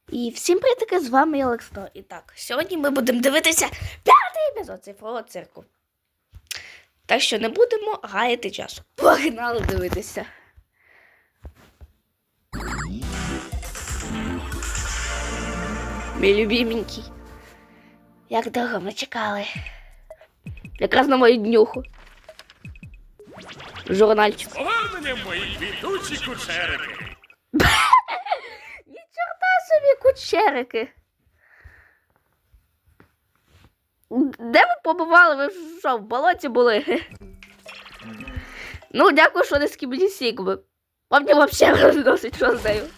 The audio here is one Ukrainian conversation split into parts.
І всім привіт, з вами Олекс. І так, сьогодні ми будемо дивитися 5-й епізод цифрового цирку. Так що не будемо гаяти часу. Погнали дивитися. Мій любименький. Як довго ми чекали. Якраз на мою днюху. Журнальчик. Повернення мої квітучі кучерики. Ні чорта собі кучерики. Де ви побували? Ви що, в болоті були? Ну, дякую, що не з Кібні Сігми. Вам не взагалі розносить, що з нею.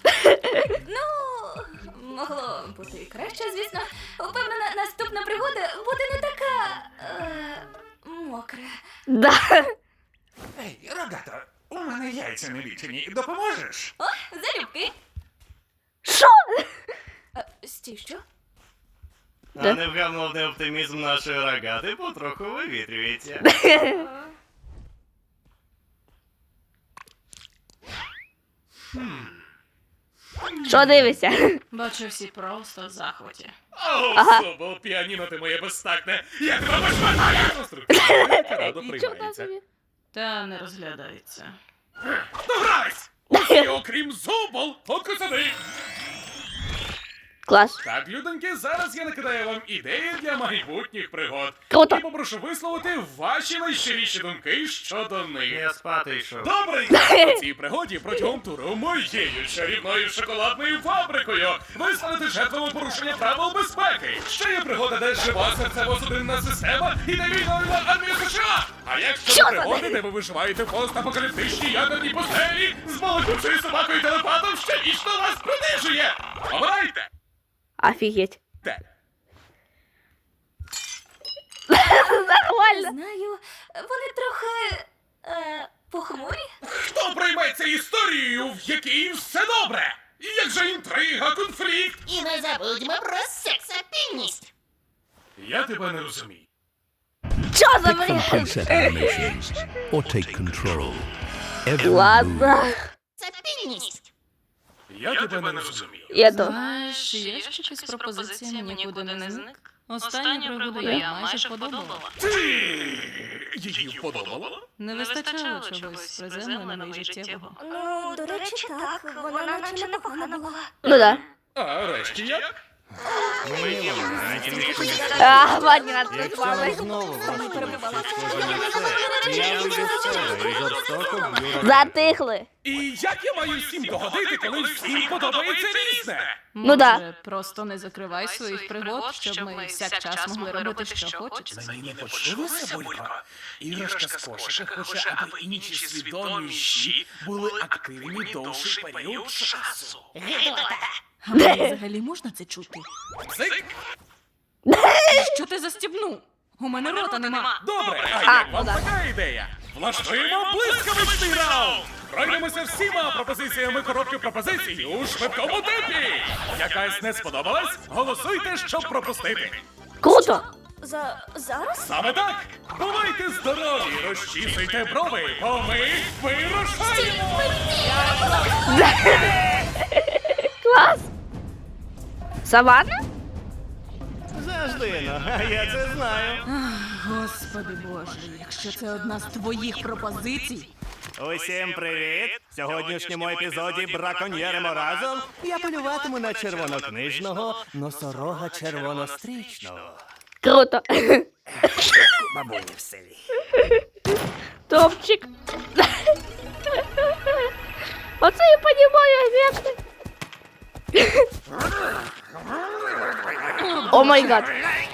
Ну, могло бути і краще, звісно. Впевнена, наступна пригода буде не така... мокра. Да. Ей, рогато, у мене яйця не лічені. Допоможеш? О, залюбки. Що? Стій, що? А невгамовний оптимізм нашої рогати потроху вивітрюється. Що дивишся? Бачу, всі просто в захваті. О, Ага. Собол, піаніно ти моє безстакне. Я тебе пошматаю! Конструктивно, радо Ні чорта приймається. собі. Та не розглядається. Догрались! Усі, окрім Зубол, покусади! Клас. Так, людоньки, зараз я накидаю вам ідеї для майбутніх пригод. Круто. І попрошу висловити ваші найщиріші думки щодо них. Я спати йшов. Добре, у цій пригоді протягом туру моєю чарівною шоколадною фабрикою ви станете жертвами порушення правил безпеки. Ще є пригода, де жива серцево-судинна система і невільна армія США. А якщо Що за пригоди, де ви виживаєте в постапокаліптичній ядерній пустелі з балакучою собакою телепатом, що вічно вас принижує. Обирайте! Офігеть. Те. Нормально. Знаю, вони трохи... похмурі? Хто прийметься історією, в якій все добре? Як же інтрига, конфлікт? І не забудьмо про сексапільність. Я тебе не розумію. Що за Pick from бред? preset animations or take control. Every move Ладно. Сексапільність. Я тебе не розумію. Я то. Знаєш, є ще щось пропозиція нікуди не зник. Останню пригоду я майже подобала. Ти її вподобала? Не вистачало чогось приземленого і життєвого. Ну, до речі, так, вона наче непогана була. Ну да. А решті як? Мені вона навіть не хочеться. А, понятно, з Якщо вами. ви знову влаштуєте схоже на це, я вам відсторю і жорстоко вб'ю рогату. Затихли. І як я маю всім догодити, коли всім подобається різне? Ну да. Може, просто не закривай своїх пригод, щоб ми всякчас могли робити, що хочеться. Мені не почулося, Булько? Іграшка з кошика хоче, аби інші свідоміші були активні довший період часу. А мені взагалі можна це чути? Цик! Що ти застібнув? У мене рота нема. Добре, а А, як ну вам да. така ідея? Влаштуємо блискавичний раунд! Пройдемося всіма пропозиціями коробки пропозицій у швидкому темпі! Якась не сподобалась? Голосуйте, щоб пропустити! Круто. Зараз? Саме так! Бувайте здорові, розчісуйте брови, бо ми вирушаємо! Клас. Саванна? Завжди, ну, а я це знаю. Господи Боже, якщо це одна з твоїх пропозицій. Усім привіт! В сьогоднішньому епізоді браконьєримо разом. Я полюватиму на червонокнижного носорога червонострічного. Круто. Бабуні в селі. Топчик. Оце я понимаю, ефекти. О май гад.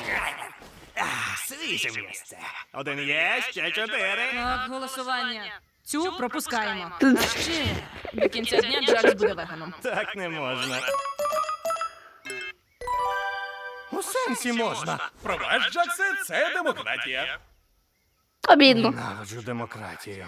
Свіже місце. Один є, ще 4. Так, голосування. Цю пропускаємо. А ще до кінця дня Джакс буде веганом. Так не можна. У сенсі можна. Пробач, Джаксе, це демократія. Обідно. Наводжу демократію.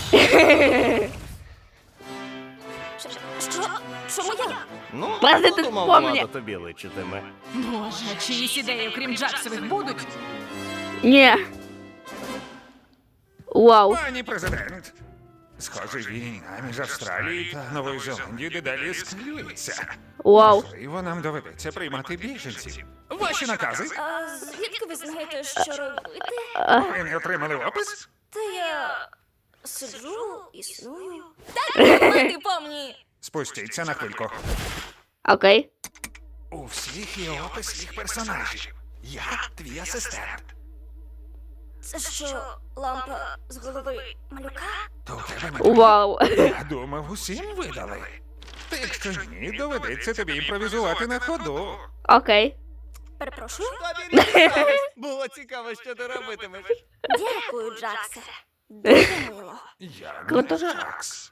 Що? Чому я? Ну, Президент подумав, помні. влада тобі личитиме. Боже, а чиїсь ідеї, окрім Джаксових, будуть? Ні. Вау. Пані президент, Схоже, війна між Австралією та Новою Зеландією дедалі ескалюється. Вау. Можливо, нам доведеться приймати біженців. Ваші накази? А звідки ви знаєте, що робити? Ви не отримали опис? Та я сиджу, існую. Так, ти помні. Спустіться на хвильку. Окей. У всіх є опис їх персонажів. Я твій асистент. Це що, лампа з голови малюка? То у тебе не Вау. Я думав, усім видали. Та якщо ні, доведеться тобі імпровізувати на ходу. Окей. Перепрошую? Було цікаво, що ти робитимеш. Дякую, Джаксе. Дуже мило. Я Круто. не Джакс.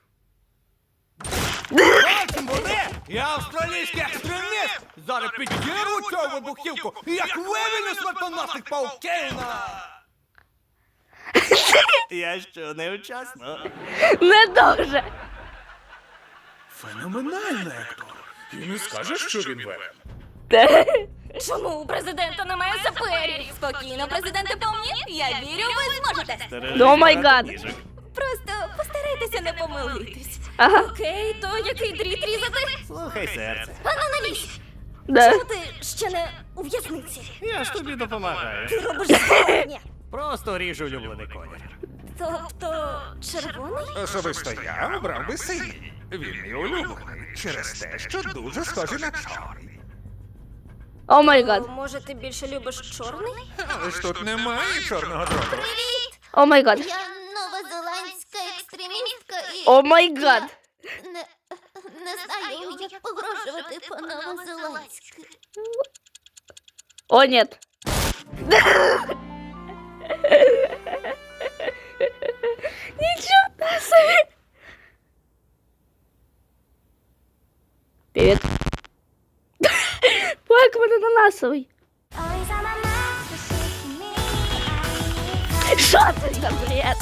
Буде! Я австралійський екстреміст! Зараз підірву цю вибухівку, як вивільню смертоносних пауків на... Я що, невчасно? Не дуже. Феноменально, Ектор. І не скажеш, що він веб. Чому у президента немає саперів? Спокійно, президенте, помні? Я вірю, ви зможете. О май гад. Просто постарайтеся не помилитись. Ага. Окей, то який дріт різати? Слухай, серце. Ану, налізь. Да. Чому ти ще не у в'язниці? Я ж тобі допомагаю. Ти робиш зворотнє. Просто ріжу улюблений колір. Тобто червоний? Особисто я обрав би синій. Він мій улюблений через те, що дуже схожий на чорний. О май гад. Може, ти більше любиш чорний? Але ж тут немає чорного дроту. О май гад. Я новозеландська екстремістка і О май гад. не знаю, як погрожувати по-новозеландськи. О, нет. Ничего себе. Привет. Покемон ананасовый. Что это за бред?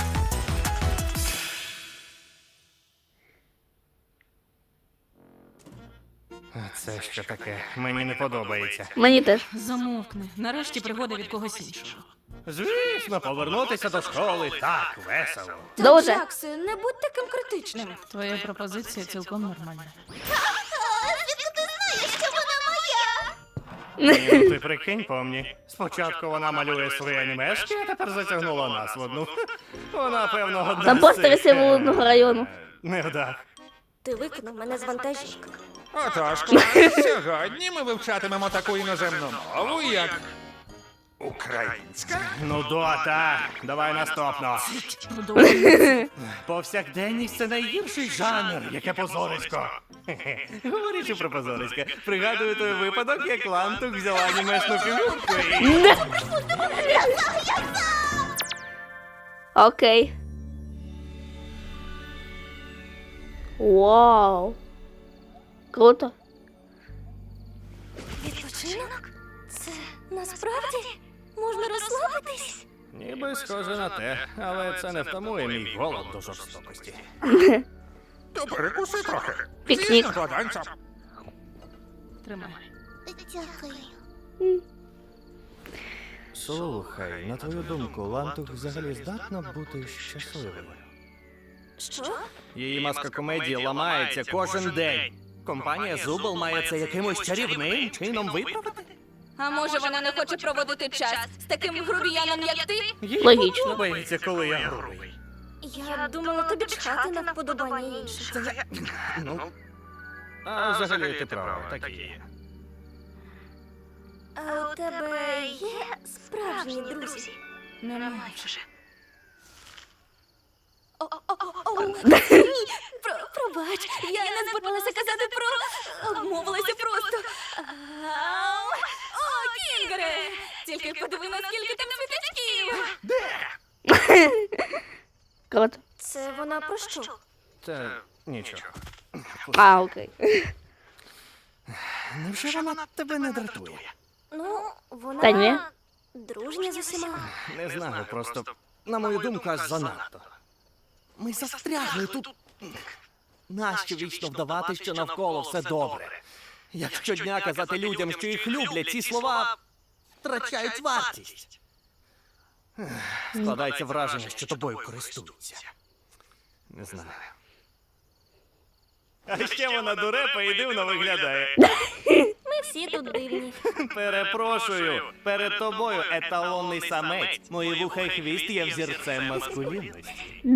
Це що таке? Мені не подобається. Мені теж. Замовкни. Нарешті пригода від когось іншого. Звісно, повернутися до школи так весело. Дуже. Джаксе, не будь таким критичним. Твоя пропозиція цілком нормальна. Звідки ти знаєш, що вона моя? Ну, ти прикинь, помні. Спочатку вона малює свої анімешки, а тепер затягнула нас в одну. Вона, певно, одна Там з постери цих, Северного району. невдах. Ти викинув мене з вантажівки. Отож, клас, сьогодні ми вивчатимемо таку іноземну мову, як українська. Ну, Дота, давай наступно. Продовжуй. Повсякденність — це найгірший жанр, яке позорисько. Хе-хе. Говорячи про позорисько, пригадую той випадок, як Лантук взяла анімешну фігурку і... Окей. Вау. Круто. Відпочинок? Це насправді можна розслабитись? Ніби схоже на те, але це не втамує мій голод до жорстокості. То перекуси трохи. Пікнік. Звісно, кладанця. Тримай. Дякую. Слухай, на твою думку, Лантук взагалі здатна бути щасливою? Що? Її маска комедії ламається кожен день. Компанія Зубл має це якимось чарівним чином виправити? А може вона не хоче проводити час з таким грубіяном, як ти? Їй Логічно. подобається, коли я грубий. Я думала тобі чхати на вподобання інших. Ну, а взагалі ти права, так і є. А у тебе є справжні друзі? Немає вже. Ні, пробач, я не збиралася казати про... Обмовилася просто. Ау. О, Кінгере! Тільки подиви, наскільки там світачків! Круто. Це вона про що? Це нічого. А, окей. Невже вона тебе не дратує? Ну, вона... Та ні. Дружня з усіма. Не знаю, просто, на мою думку, аж занадто. Ми застрягли тут. Нащо вічно вдавати, що навколо все добре? Як щодня казати людям, що їх люблять, ці слова втрачають вартість. Складається враження, що тобою користуються. Не знаю. А ще вона дурепа і дивно виглядає. Ми всі тут дивні. Перепрошую, перед тобою еталонний самець. Мої вуха і хвіст є взірцем маскулінності.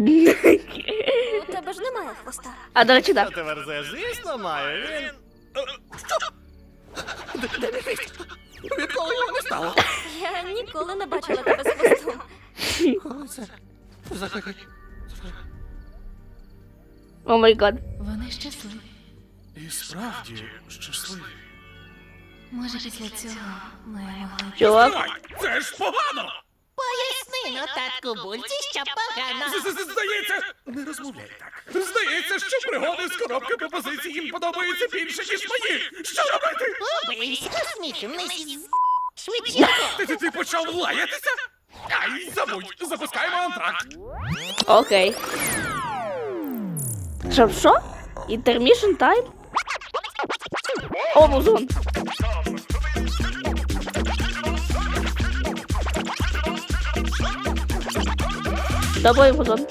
У тебе ж немає хвоста. А до речі, Що так. ти верзеш? Звісно, маю. Він... Де мій хвіст? Відколи його не стало? Я ніколи не бачила тебе з хвостом. Коли це? Взагалі. О май гад. Вони щасливі. І справді щасливі. Може, після цього ми могли... Чувак. Ой, це ж погано! Поясни, ну, татку Бульці, що погано. Здається, не розмовляй так. Здається, що пригоди з коробки пропозицій їм подобаються більше, ніж мої. Що робити? Убийся, смішний швидше. Ти почав лаятися? Ай, забудь, запускаємо антракт. Окей. Що? Intermission time? О, музон. Давай, музон.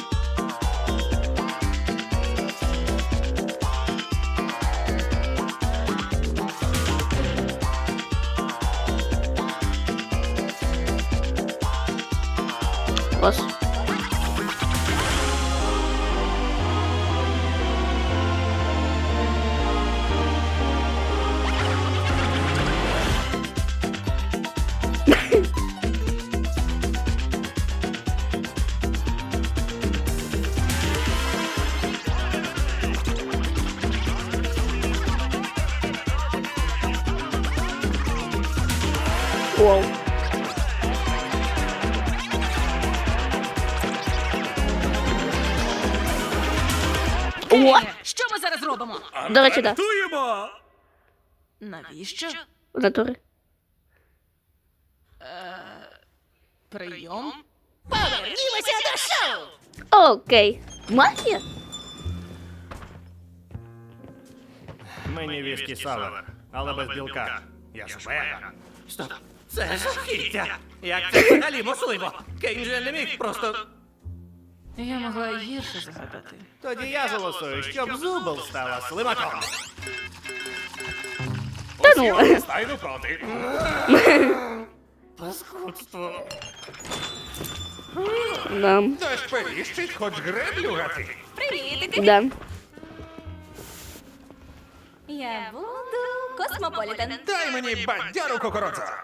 Класс. Вау. О, Що ми зараз робимо? до речі, так. Антрактуємо! Навіщо? В натурі. Прийом? Повернімося до шоу. Окей. Магія? Мені віскі савер, але без білка. Я ж веган. Стоп, це жахіття. Як це взагалі можливо? Кейнджі не міг просто... Я могла й гірше загадати. Тоді я голосую, щоб Зубл стала слимаком. Та ну. Стайно проти. Паскудство. Да. Дощ періщить, хоч греблю гати. Привіт! Да. Я буду Космополітен. Дай мені бадяру кокородза.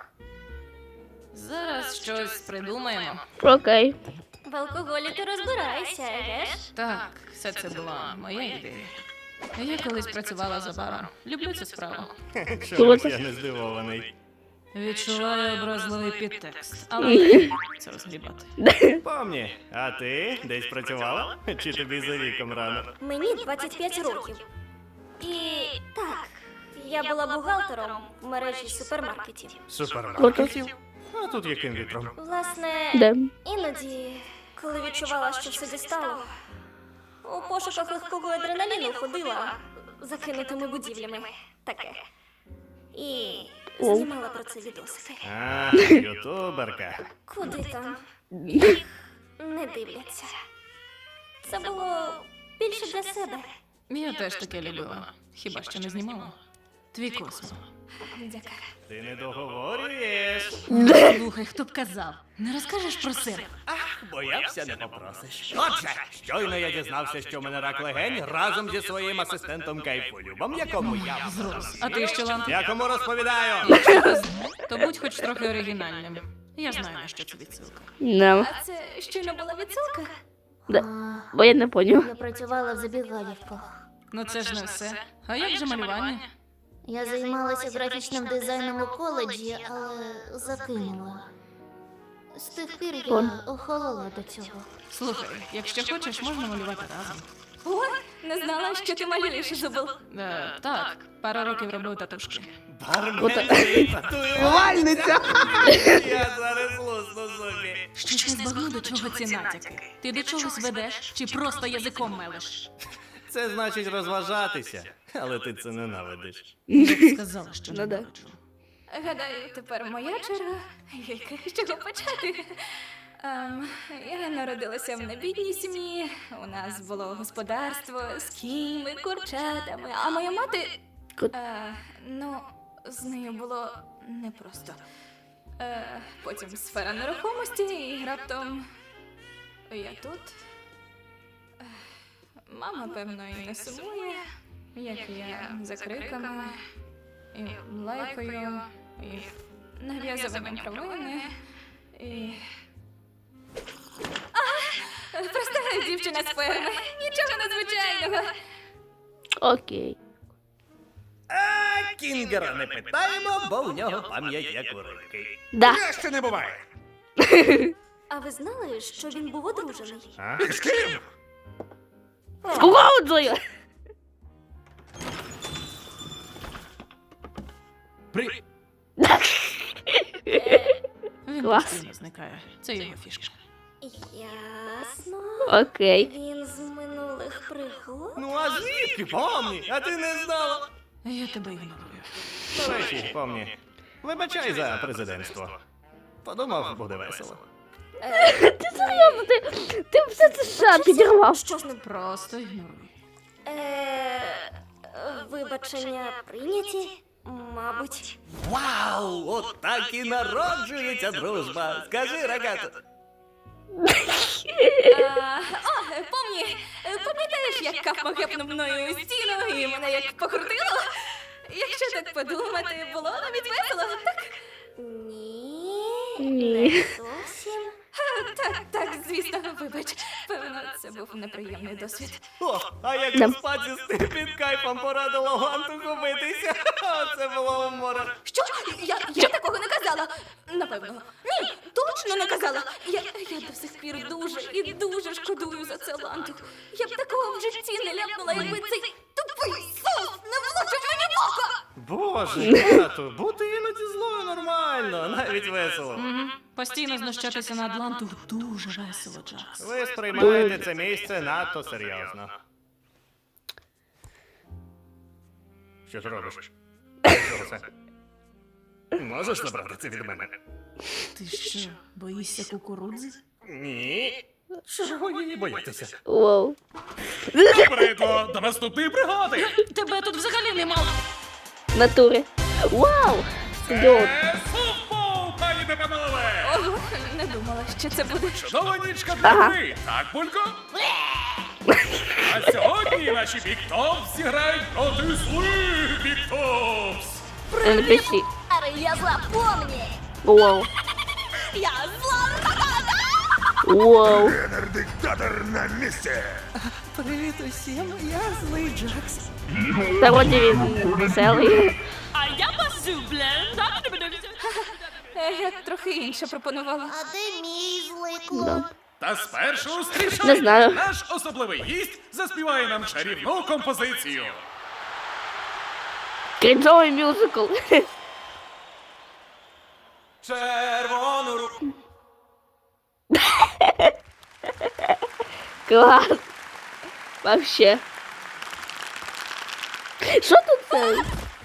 Зараз щось придумаємо. Окей. В алкоголі ти розбираєшся, геш? Так, все це була моя ідея. Я колись працювала за баром. Люблю цю справу. Чомусь я не здивований. Відчуваю образливий підтекст, але не це розгрібати. Помні, а ти десь працювала? Чи тобі за віком рано? Мені 25 років. І так, я була бухгалтером в мережі супермаркетів. Супермаркетів? А тут яким вітром? Власне, Да. іноді, коли відчувала, що все дістало, у пошуках легкого адреналіну ходила закинутими будівлями. Таке. І знімала про це відосики. А, ютуберка. Куди там? Не дивляться. Це було більше для себе. Я теж таке любила. Хіба що не знімала? Твій космо. Дяка. Ти не договорюєш. Слухай, хто б казав? Не розкажеш про себе? Боявся, не попросиш. Отже, щойно я дізнався, що в мене рак легень разом зі своїм асистентом Кайфолюбом, якому я Зрос. А ти що, Лант? якому розповідаю. То будь хоч трохи оригінальним. Я знаю, на що це відсилка. Да. А це щойно була відсилка? Да. Бо я не поняв. Я працювала в забігалівках. Ну це ж не все. А як же малювання? Я займалася графічним дизайном у коледжі, але закинула. З тих пір я охолола до цього. Слухай, якщо хочеш, можна малювати разом. О, не знала, що ти малюєш, Зубл. Так, пару років робив татушки. Барменський татуювальниця. Я зараз лусну собі. Щось не збагну, до чого ці натяки. Ти до чогось ведеш чи просто язиком мелиш? Це значить розважатися, але ти це ненавидиш. Я сказала, що Ну да. ненавиджу. Гадаю, тепер моя черга. Яка з чого почати? Я народилася в небідній сім'ї. У нас було господарство з кіньми, курчатами, а моя мати. Ну, з нею було непросто. Потім сфера нерухомості, і раптом я тут. Мама, певно, і не сумує, як я за криками, і лайкою, і нав'язуванням провини, і... Проста дівчина з ферми, нічого надзвичайного. Окей. А Кінгера не питаємо, бо у нього пам'ять як у рибки. Да. Краще не буває. А ви знали, що він був одружений? А? З ким? З кукурудзою. При... Він Клас. постійно зникає. Це його фішка. Ясно. Окей. Він з минулих пригод? Ну а звідки, помні? А ти не знала? Я тебе ігнорую. До речі, помні. Вибачай за президентство. Подумав, буде весело. Ти серйозно, ти все це ще підірвав. Що з ним? Просто ігноруй. Вибачення прийняті, мабуть. Вау! От так і народжується дружба. Скажи, рогато. Пам'ятаєш, як Кафма гепнув мною у стіну і мене як покрутило? Якщо так подумати, було навіть весело, так? Ні. Ні. Не зовсім. Так, звісно, вибач. Певно, це був неприємний досвід. О, а як Да. спаці під кайфом порадило гантуху битися. Це було море. Що? Я такого не казала. Напевно. Ні, точно не казала. Я до сих пір дуже і дуже шкодую за це лантух. Я б такого в житті не ляпнула, якби цей тупий сос не влучив мені в око. Боже, тату, бути іноді злою нормально, навіть весело. Постійно знущатися на Атланту дуже весело, Джакс. Ви сприймаєте це місце надто серйозно. Що ти робиш? Що це? Можеш забрати це від мене? Ти що, боїшся кукурудзи? Ні. Чого її боятися? Воу. Прикро, до наступної пригоди! Тебе тут взагалі нема. В натурі. Вау! Ідіот. Футбол, пані та панове! Ого, не думала, що це буде. Чудова нічка для Ага. гри, так, Булько? А сьогодні наші Big Tops зіграють проти злих Big Tops! NPC. Я запомні. Воу. Я зла рогата. Воу. Диктатор на місці. Привіт усім, я злий Джакс. Та вроді він веселий. А я позублен. Я трохи інше пропонувала. А де мій злий клоун? Да. Та спершу зустрічайте! Не знаю. Наш особливий гість заспіває нам чарівну композицію. Крінжовий мюзикл. Червону руку. Клас. Вообще. Що тут це?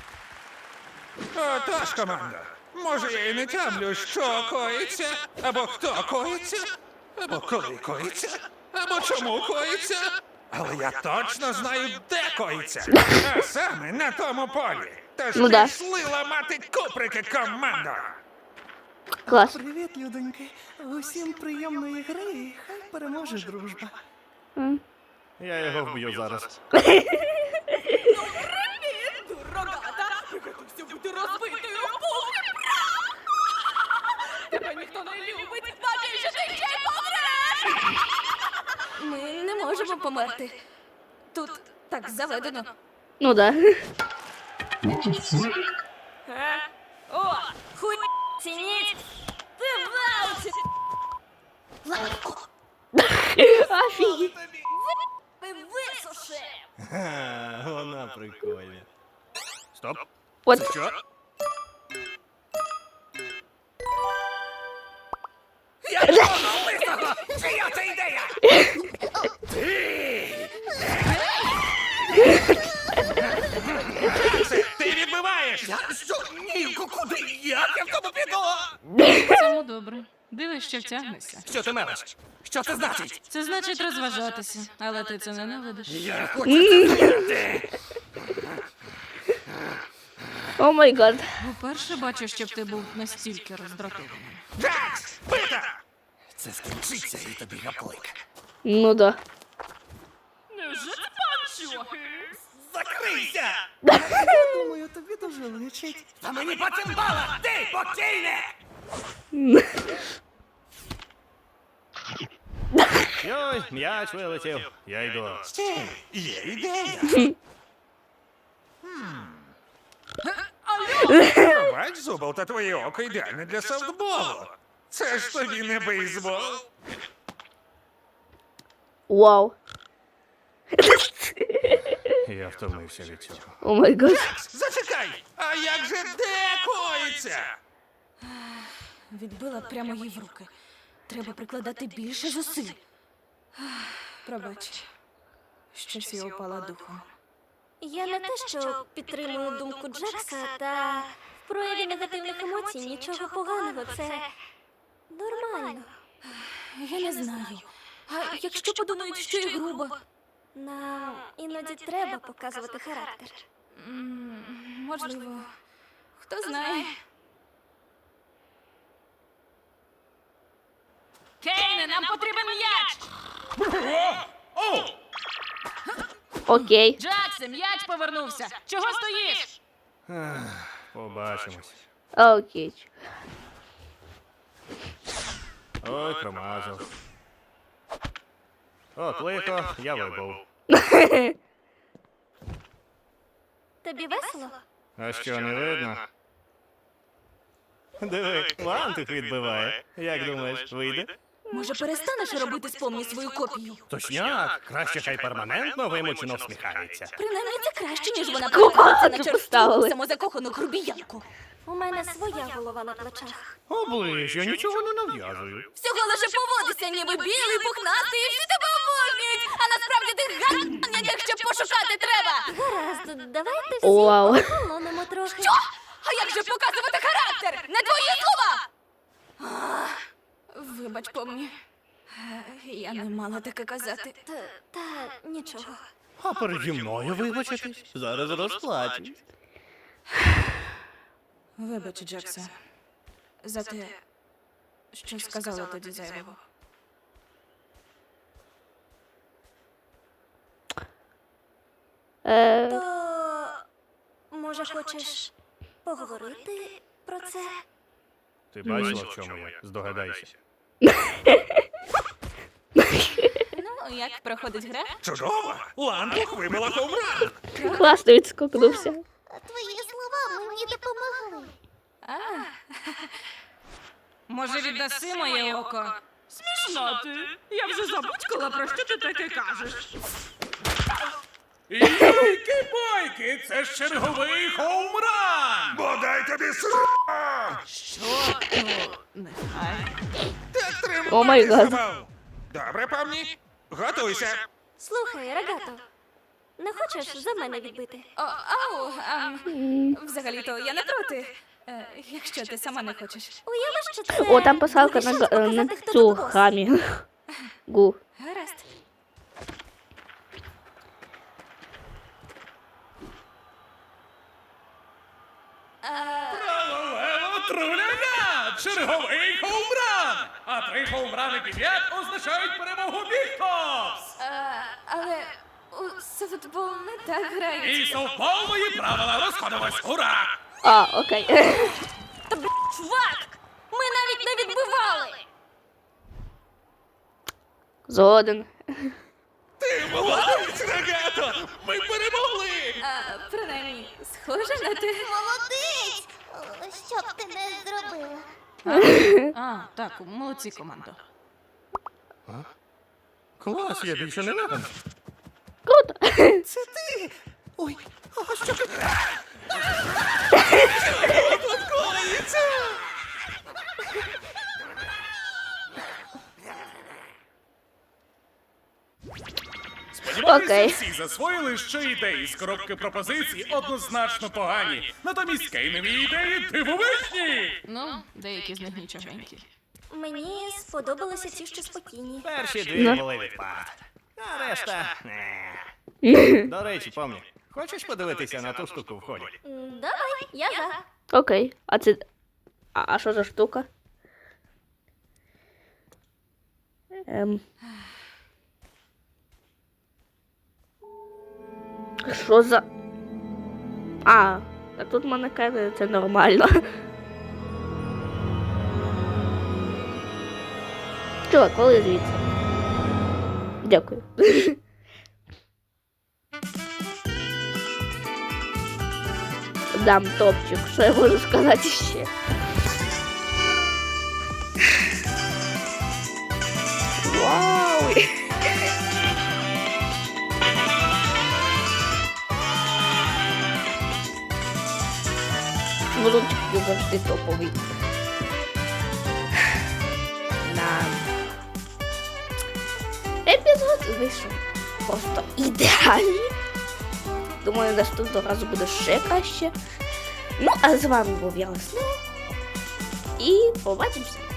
Отож, команда. Може, я і не тямлю, що коїться, або хто коїться, або коли коїться, або чому коїться. Але я точно знаю, де коїться. А саме на тому полі. Тож Ну да. пішли ламати куприки, команда. Клас. Привіт, людоньки. Усім приємної гри, і хай переможе дружба. М. Я його вб'ю зараз. Тебе ніхто не любить, бачиш, що ти ще помреш! Ми не можемо померти. Тут так заведено. Ну да. О, хуй цініть. Ти валці. Офігеть. Ти висуши. Ха, вона прикольна. Стоп. От. Що? Чия це ідея? Ти відбиваєш! Я що? Ні, куди? Як я в тому піду? Цьому добре. Дивись, що втягнешся. Що ти мелиш? Що це значить? Це значить розважатися, але ти це ненавидиш. Я хочу це зробити. О май гад. Вперше бачу, щоб ти був настільки роздратований. Джакс! Пита! Це скінчиться і тобі гаплик. Ну да. Закрийся! Думаю, тобі дуже личить. А мені по цимбалах, ти покійник! Йой, м'яч вилетів. Я йду. Є ідея. Бач, Зубл, та твоє око ідеальне для софтболу. Це ж тобі не бейсбол. Вау. Я втомився від цього. О май гад. Зачекай! А як же де коїться? Відбила прямо їй в руки. Треба прикладати більше зусиль. Пробач. Щось я упала духом. Я не те, що підтримую думку Джекса, та в прояві негативних емоцій нічого поганого. Це нормально. Я не знаю. А якщо подумають, що я груба? Нам іноді треба показувати характер. Можливо. Хто знає. Кейне, нам потрібен м'яч! О! Окей. Джаксе, м'яч повернувся! Чого стоїш? Побачимось. Окей. Ой, промазав. От лихо, я вибув. Тобі весело? А що, не видно? Диви, лантух відбиває. Як думаєш, вийде? Може, перестанеш робити з помні свою копію? Точняк, краще хай перманентно вимучено всміхається. Принаймні це краще, ніж вона Куколку перетвориться на черству поставили. самозакохану грубіянку. У мене своя голова на плечах. Оближ, я нічого не нав'язую. Всього лише поводися, ніби білий, пухнастий, і всі тебе обожнюють, а насправді ти ган, якщо пошукати треба. Гаразд, давайте всі Вау. охолонемо трохи. А як же показувати характер? Не твої слова! Вибач, помні. Я не мала таке казати. Та нічого. А переді мною вибачитись. Зараз розплачусь. Вибач, Джекса, за те, що сказала тоді зайвого. То може хочеш поговорити про це? Ти бачила, в чому я? Здогадайся. Ну, як проходить гра? Чудово! Лантух вибила хоумран! Класно відскокнувся. Твої слова мені допомогли. Може, віддаси моє око? Смішно ти. Я вже забудькала, про що ти таке кажеш. Йойки-бойки, це ж черговий хоумран! Бодай тобі Нехай. Так О май гад. тримайся, Добре, помні? Готуйся. Слухай, Рогато, не хочеш за мене відбити? Взагалі-то я не проти. Якщо ти сама не хочеш. Уяви, що це О, там писалка буде на, шанс на показати, хто цю тут бос. хамі. Гу. Гаразд. Тралалело, труляля! Черговий хоумран! А 3 хоумрани підряд означають перемогу Бігтопс! Але у софтбол не так грають. І совпалої правила розходимось! Ура! А, окей. Чувак! Ми навіть не відбивали! Згоден. Ти молодець, Рогато! Ми перемогли! Принаймні, схоже на те. Молодець! О, що б ти не зробила? Так, молодці, командо. Клас, я більше не надо. Круто. Це ти! Ой, а що ти? Сподіваюся, Окей. всі засвоїли, що ідеї з коробки пропозицій однозначно погані. Натомість кейнові ідеї дивовижні! Ну, деякі з них нічогенькі. Мені сподобалися ті, що спокійні. Перші дві Ну. були відпад. А решта. Не. До речі, помні, хочеш подивитися на ту штуку в холі? Давай, я за. Окей. А це. А що за штука? Що за. А, так тут манекени, це нормально. Чувак, коли звідси? Дякую. Дам топчик, що я можу сказати ще. Вау! Вручки завжди топовий. Да. Епізод вийшов просто ідеальний. Думаю, наступного разу буде ще краще. Ну, а з вами був я Леснев. І побачимося.